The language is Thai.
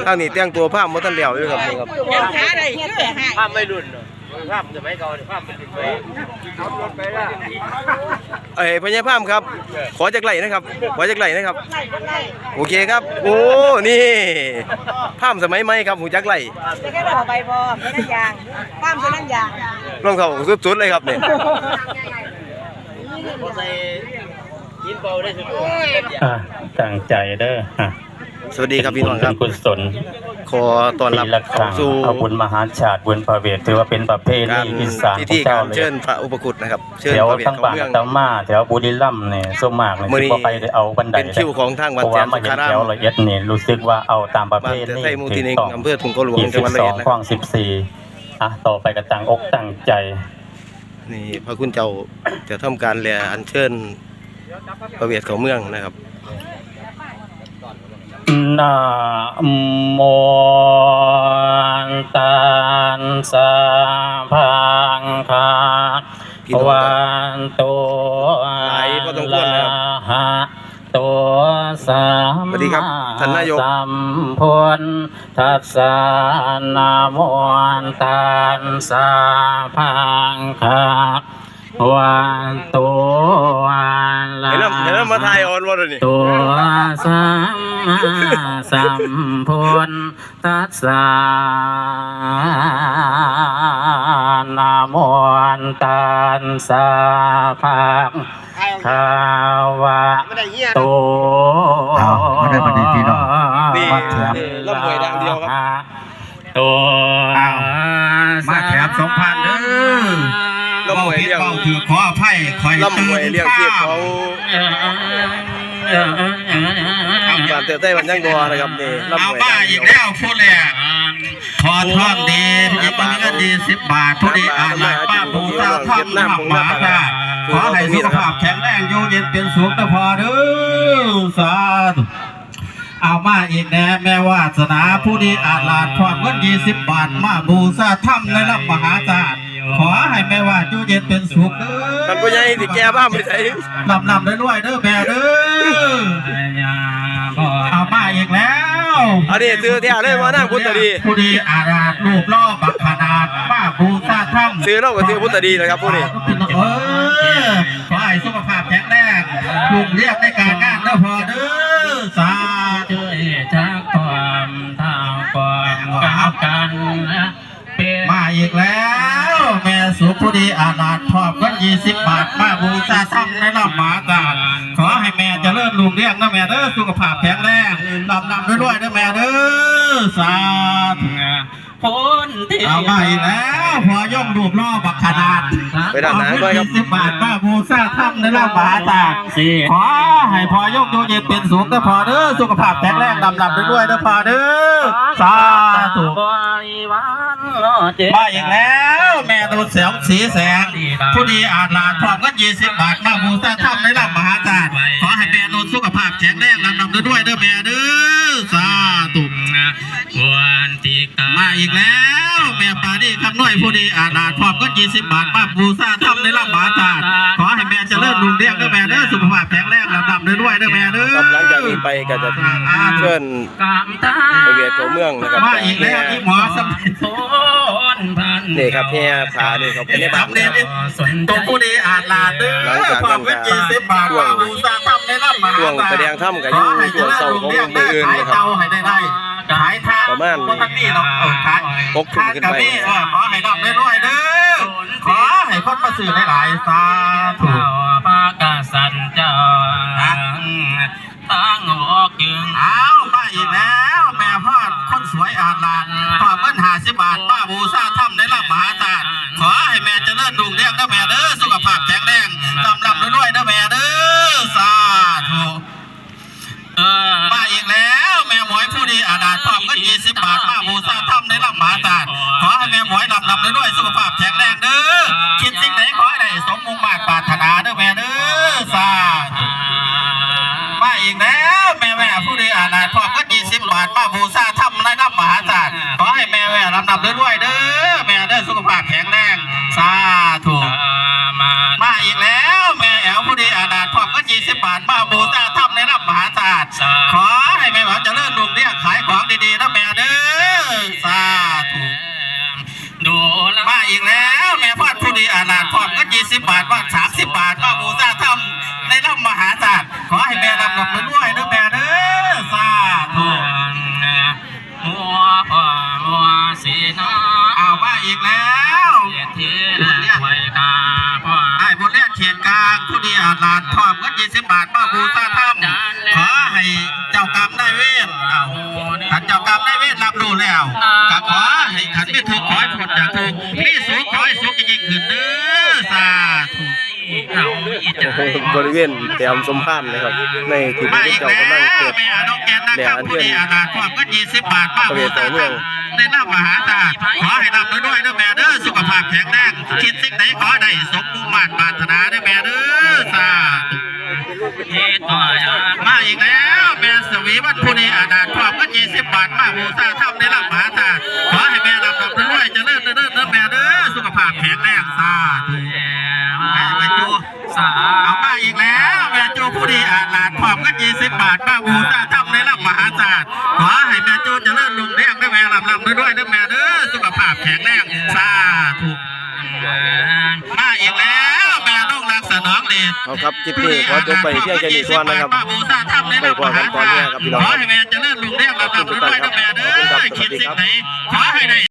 ทางนี้แต่งตัวผ้ามาตั้งเดียวอยู่ครับนี่ครับยังหาได้เงี้ยแต่หายภาพไม่รุ่นภาพจะไม่เก่าภาพมันติดไปขับรถไปละพญาภาพครับขอจากไหลนะครับขอจากไหลนะครับโอเคครับโอ้นี่ภาพสมัยใหม่ครับหูจักไหลจะแค่เราใบบอไม่นั่นยางป้ามจะนั่นยางรองเท้าสุดๆเลยครับเนี่ยพอใส่ยินเบาได้สุดตั้งใจเด้อสวัสดีครับพี่น้องครับกุศลขอต้อนรับปีละครั้งสู่เอาบุญมหาชาติบุญพระเวทถือว่าเป็นประเพกาณีรอีสานพิขอธีงเจ้าการเลยเชิญพระอุปคุตนะครับเชิญแถวพระเวททั้งเขาบ้านเมืองทั้งมาแถวบุรีรัมย์เนี่ยส่วนมากเลยมื้อนี้ที่บ่ไปได้เอาบันไดเป็นคิวของทางวัดเพราะแสว่าน มาสุเห็นขารามแถวละเอียดนี่รู้สึกว่าเอาตามประเพบ้านณีไทยหมู่ที่หนึ่งถูกต้องอำเภอถุงกระหลวงจังหวัดระยองนะ 22ข้อง14ต่อไปก็ตั้งอกตั้งใจนี่พระคุณเจ้าจะทำการแลอัญเชิญพระเวทเขาเมืองนะครับนะโมตัสสะภะคะวะโตหลายพอสมควรนะครับหะโตสัมสวัสดีครับท่านนายกสัมพุทธัสสะนะโมตัสสะภะคะวะโตอะระเห็นแล้วมาถ่ายออนวอร์นี่ตัวสัมมาสัมพุทธัสสะนะโมตัสสะภะคะวะโตไม่ได้ประเด็นพี่น้องนี่ล่ำหวยดังเดียวครับตัวมาแถม2,000เด้อล่ำหวยเลี้ยงเบาถือขออภัยคอยล่ำหวยเลี้ยงเทียบของบ้านเต๋อไต้วันยังบัวนะครับนี่ล่ำเอาหวยบ้าดังอีเดียวกแล้วพูดเลยขอท่องดีผู้ดีเงินดี10 บาทผู้ดีอ่านหลักป้าปูตาท่องหลักหมาค่ะขอให้สุขภาพแข็งแรงอยู่เย็นเป็นสุขนะพอเด้อสาธุเอามาอีกแน่แม่วาสนาผู้ดีอาจลาดความเงิน20 บาทมาบูชาถ้ำในลำมหาศาลขอให้แม่วาดอยู่เย็นเป็นสุขเด้อท่านผู้ใหญ่ที่แก่บ้านไม่ใช่ลำได้ด้วยเด้อแม่เด้อเอามาอีกแล้วอันนี้ซื้อเที่ยวเลยมานั่งพุทธดีผู้ดีอาราดรูปล่อบักขนาดมาบูชาถ้ำซื้อเราก็ซื้อพุทธดีนะครับผู้นี้ขอให้สุขภาพแข็งแรงลูกเรียกในการงานเด้อพอเด้อสาธุช่วยทักความเท่าก่อนกับกันเป็นมาอีกแล้ว แม่สุผู้ดีอาราดพร้อมกัน20 บาทมาบูชาถ้ำในลำหมาตาขอให้แม่เจริญลูกเรียกนะแม่เด้อสุขภาพแข็งแรงลำด้วยเด้อแม่เด้อสาธุพ้นที่เอามาอีกแล้วพอย่อมรูปล่อบักขนาดไปด้านหน้าด้วยครับ 20 บาทป้าบูซาถ้ำในลำบาตาขอให้พอย่อมดูเย็นเป็นสุขนะพอเด้อสุขภาพแข็งแรงลำด้วยนะพอเด้อสาธุบริวารเจ็มาอีกแล้วแม่ดูแสงสีแสงผู้ดีอาจลาดพร้อมกัน20 บาทมาบูซาถ้ำในลำมหาศาลขอให้แม่ดูสุขภาพแข็งแรงลำด้วยเด้อแม่เด้อสาธุควรที่กามาอีกแล้วแม่ปานี่คำน้อยผู้ดีอาณาพร้อมก็20 บาทมาบูชาทำในลำบาตาขอให้แม่เจริญรุ่งเรืองเด้อแม่เด้อสุขภาพแข็งแรงลำดับด้วยเด้อแม่เด้อครับหลังจากนี้ไปก็จะเชิญกามตาพระเวทเขาเมืองนะครับมาอีกแล้วที่หมอสมัยพ้นพันนี่ครับเฮียผานี่เขาเป็นในบ้านทำเนี่ยตัวผู้ดีอาณาเด้อพร้อมก็20 บาทมาบูชาทำในลำบาช่วงแสดงถ้ำกับยุ่งช่วงเศร้าของมืออื่นนะครับให้ได้ขายทางประมาณท่านนี่เนาะขาย 6 ทุ่มขึ้นไปขอให้ดับด้วยเด้อขอให้คนมาสื่อหลายๆสาธุเจ้าพระกษัตริย์เจ้าทั้งออกจึงเอามาอีกแล้วแม่พ่อคนสวยอาลานพอเงิน50 บาทป้าบูชาถ้ำในลำมหาศาลขอให้แม่เจริญรุ่งเรืองเด้อแม่เด้อสุขภาพแข็งแรงลำด้วยเด้อแม่เด้อสาธุมาอีกแล้วแม่หมวยผู้ดีอาณาพร้อมเงิน20 บาทป้าบูชาถ้ำในลำมหาศาลขอให้แม่หมวยลำด้วยสุขภาพแข็งแรงเด้อคิดสิ่งใดขอให้ได้สมมุ่งมา่ปรารถนาเด้อแม่เด้อสาธุ มาอีกแล้วแม่ผู้ดีอาณาพร้อมก็20 บาอีกแล้วเทียไว้กาพ่อไอ้บนเลียนเขียนกลางผู้ดีอาจลานพร้อมเงิน20 บาทมาบูชาธรรมขอให้เจ้ากรรมนายเวรขันเจ้ากรรมนายเวรรับรู้แล้วก็ขอให้ขันไม่ถูกขอให้ผลจากถูกมีสุขขอให้สุขยิ่งขึ้นเด้อสาธุบริเวณแถมสมพันธ์นะครับในที่มาที่อีกเจ้าแล้วกำลังเกิดแม่น้องแกนนะครับผู้ดีอาจลานพร้อมเงิน20 บาทมาบูชาธรรมในน้ำมหาศาลขอให้รับด้วยเด้อแม่เด้อสุขภาพแข็งแรงคิดสิ่งไหนขอได้สมมุ่งมั่นปรารถนาเด้อแม่เด้อสาธุ มาอีกแล้วแม่สวีวัฒน์ผู้นี้อาณาพร้อมกัน20 บาทมาบูชาธรรมในลำมหาศาลขอให้แม่รับด้วยเจริญเด้อแม่เด้อสุขภาพแข็งแรงสาธุแม่จูเอามาอีกแล้วแม่จูผู้นี้อาณาพร้อมกัน20 บาทมาบูชาธรรมในลำมหาศาลขอให้แม่จูเจริญรุ่งเรืองด้วยแม่รับด้วยแม่เด้อสุขภาพแข็งแรงสาธุมาอีกแล้วแม่ลูกรักสนองเดชเอาครับคลิปนี้ขอจบไปเพียงแค่นี้ก่อนนะครับไปกว่ากันตอนนี้ครับพี่น้องขอให้แม่เจริญรุ่งเรืองรับด้วยแม่เด้อคิดสิ่งไหนขอให้ได้